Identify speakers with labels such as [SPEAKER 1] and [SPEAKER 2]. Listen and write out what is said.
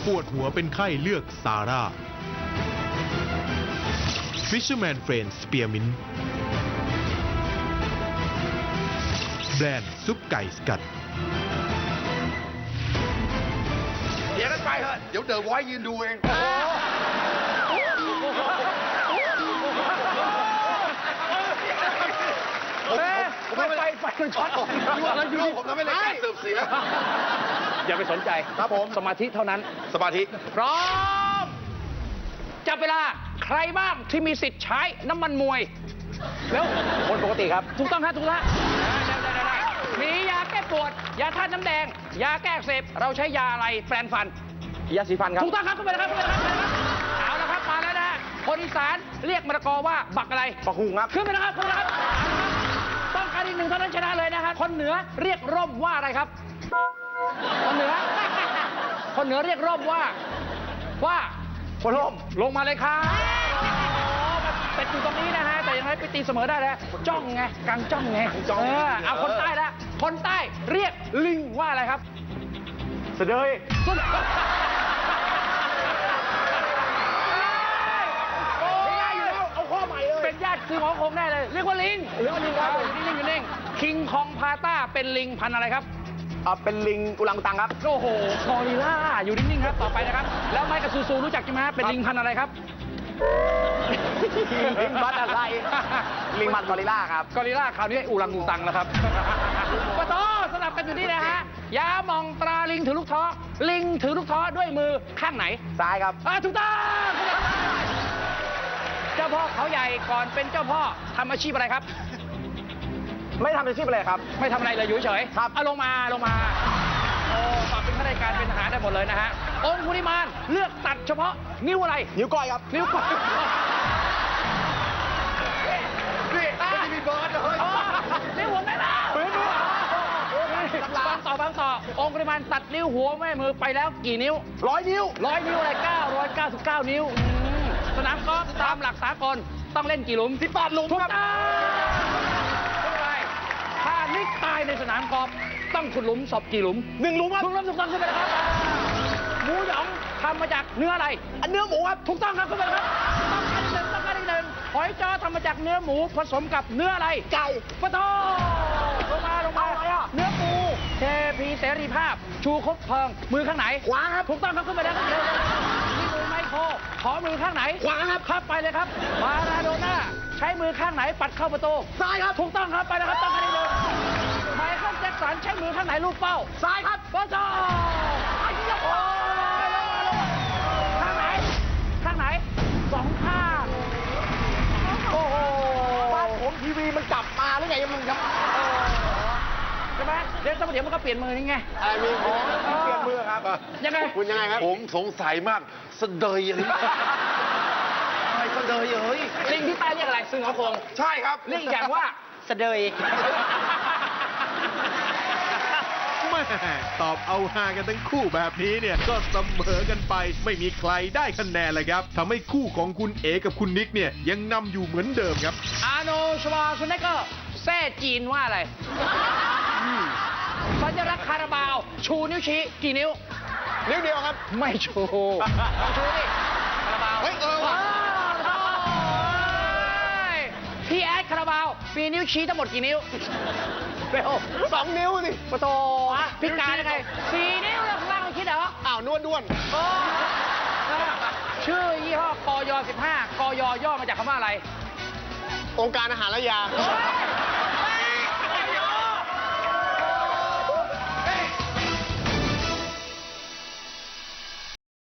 [SPEAKER 1] ปวดหัวเป็นไข้เลือกซาร่า Fisherman Friends Spearmint แบรนด์ซุปไก่สกัด
[SPEAKER 2] เดี๋ยวกันไปเถอะเดี๋ยวเดอะไวท์ยืนดูเองไปมันช็อตผมทำให้รายการเสื่อมเสีย
[SPEAKER 3] อย่าไปสนใจครับผมสมาธิเท่านั้น
[SPEAKER 2] สมาธิ
[SPEAKER 3] พร้อมจับเวลาใครบ้างที่มีสิทธิ์ใช้น้ำมันมวยแล้วคนปกติครับถูกต้องครับถูกแล้วได้มียาแก้ปวดยาธาตุน้ำแดงยาแก้อักเสบเราใช้ยาอะไรแปรงฟันยาสีฟันครับถูกต้องครับขึ้นไปเลยครับเอาละครับมาแล้วนะฮะคนอีสานเรียกมะละกอว่าบักอะไร
[SPEAKER 2] บักหุงครับ
[SPEAKER 3] ขึ้นไปนะครับต้องการอีกหนึ่งเท่านั้นชนะเลยนะครับคนเหนือเรียกร่มว่าอะไรครับคนเหนือเรียกร่มว่า
[SPEAKER 2] คนร่ม
[SPEAKER 3] ลงมาเลยครับเป็นอยู่ตรงนี้นะฮะแต่ยังไงไปตีเสมอได้แล้วจ้องไงกลางจ้องไงเอาคนใต้ละคนใต้เรียกลิงว่าอะไรครับ
[SPEAKER 2] เสดย
[SPEAKER 3] เป็นญาติคือหมอคงแน่เลยเรียกว่าลิงครับอยู่นิ่งคิงคองพาต้าเป็นลิงพันธุ์อะไรครับ
[SPEAKER 2] เป็นลิงอุลังอุตังครับ
[SPEAKER 3] โอ้โหกอริลล่าอยู่นิ่งๆครับต่อไปนะครับแล้วไมค์กับซูรู้จักใช่ไหมเป็นลิงพันธุ์อะไรครับ
[SPEAKER 2] ลิงบัตอะไรลิงมันกอริลล่าครับ
[SPEAKER 3] กอริลล่าคราวนี้อุลังอุตังแล้วครับปะโตสลับกันอยู่นี่นะฮะยามองตราลิงถือลูกท้อลิงถือลูกท้อด้วยมือข้างไหน
[SPEAKER 2] ซ้ายครับ
[SPEAKER 3] ถูกต้องเจ้าพ่อเขาใหญ่ก่อนเป็นเจ้าพ่อทำอาชีพอะไรครับ
[SPEAKER 2] ไม่ทำอาชีพอะไรครับ
[SPEAKER 3] ไม่ทำอะไรเลยอยู่เฉย
[SPEAKER 2] ครับ
[SPEAKER 3] ลงมาโอ้ปรับเป็นข้าราชการเป็นทหารได้หมดเลยนะฮะองคุลิมานเลือกตัดเฉพาะนิ้วอะไร
[SPEAKER 2] นิ้วก้อยครับ
[SPEAKER 3] นิ้วก้อย
[SPEAKER 2] นี่ไม่มีเบิร์ดเลย
[SPEAKER 3] นิ้วหัวแม่ล่ะบางต่อองคุลิมานตัดนิ้วหัวแม่มือไปแล้วกี่นิ้ว
[SPEAKER 2] 100 นิ้ว
[SPEAKER 3] อะไร999 นิ้วสนามกอล์ฟตามหลักสากลต้องเล่นกี่หลุม
[SPEAKER 2] 18 หลุมครับ
[SPEAKER 3] ถ้านิกตายในสนามกอล์ฟต้องขุดหลุมศพกี่หลุม
[SPEAKER 2] 1 หลุมครับ
[SPEAKER 3] ถูกต้องขึ้นไปเลยครับหมูหยองทำมาจากเนื้ออะไร
[SPEAKER 2] เนื้อหมูครับ
[SPEAKER 3] ถูกต้องครับขึ้นไปเลยครับต้องการอีกหนึ่งหอยจ้อทำมาจากเนื้อหมูผสมกับเนื้ออะไร
[SPEAKER 2] ไก่
[SPEAKER 3] ปะโถลงมาเนื้อปูเทพีเสรีภาพชูคบเพลิงมือข้างไหน
[SPEAKER 2] ขวาครับ
[SPEAKER 3] ถูกต้องครับขึ้นไปเลยครับนี่มือไมโครขอมือข้างไหน
[SPEAKER 2] ขวา
[SPEAKER 3] ครับไปเลยครับมาราโดน่าใช้มือข้างไหนปัดเข้าประตู
[SPEAKER 2] ซ้ายครับ
[SPEAKER 3] ถูกต้องครับไปแล้วครับต้องการอีกหนึ่งไมเคิลแจ็คสันใช้มือข้างไหนลูกเป้า
[SPEAKER 2] ซ้ายครับ
[SPEAKER 3] ปะโถข้างไหน2 ข้างโอ้โห
[SPEAKER 2] บ้านผมทีวีมันกลับมาหรือไงมันครับ
[SPEAKER 3] ใช่ไหมเดี๋ยวมันก็เปลี่ยนมือนี่ไง
[SPEAKER 2] มีเปลี่ยนมือครับ
[SPEAKER 3] ยังไง
[SPEAKER 2] คุณยังไงครับ
[SPEAKER 4] ผมสงสัยมากสะเดยอะไรสะเดย
[SPEAKER 3] ลิงที่ใต้เรียกอะไรซึ่งเขาคง
[SPEAKER 2] ใช่ครับ
[SPEAKER 3] เรียกอย่างว่าสะเดย
[SPEAKER 1] แม่ตอบเอาฮากันทั้งคู่แบบนี้เนี่ยก็เสมอกันไปไม่มีใครได้คะแนนเลยครับทำให้คู่ของคุณเอกับคุณนิกเนี่ยยังนำอยู่เหมือนเดิมครับ
[SPEAKER 3] อาร์โนลด์ ชวาร์เซเนกเกอร์แซ่จีนว่าอะไรสัญลักษณ์คาราบาวชูนิ้วชี้กี่นิ้ว
[SPEAKER 2] นิ้วเดียวครับ
[SPEAKER 3] ไม่ชูดิคาราบาว
[SPEAKER 2] ว่ะ
[SPEAKER 3] พี่แอดคาราบาวมีนิ้วชี้ทั้งหมดกี่นิ้ว
[SPEAKER 2] เร็ว2 นิ้วสิ
[SPEAKER 3] ปะโตพิการยังไง4 นิ้วแล้วข้างล่างไม่คิดเหรอ
[SPEAKER 2] นวดด้วน
[SPEAKER 3] ชื่อยี่ห้อกย15กยย่อมาจากคำว่าอะไร
[SPEAKER 2] องค์การอาหารและยา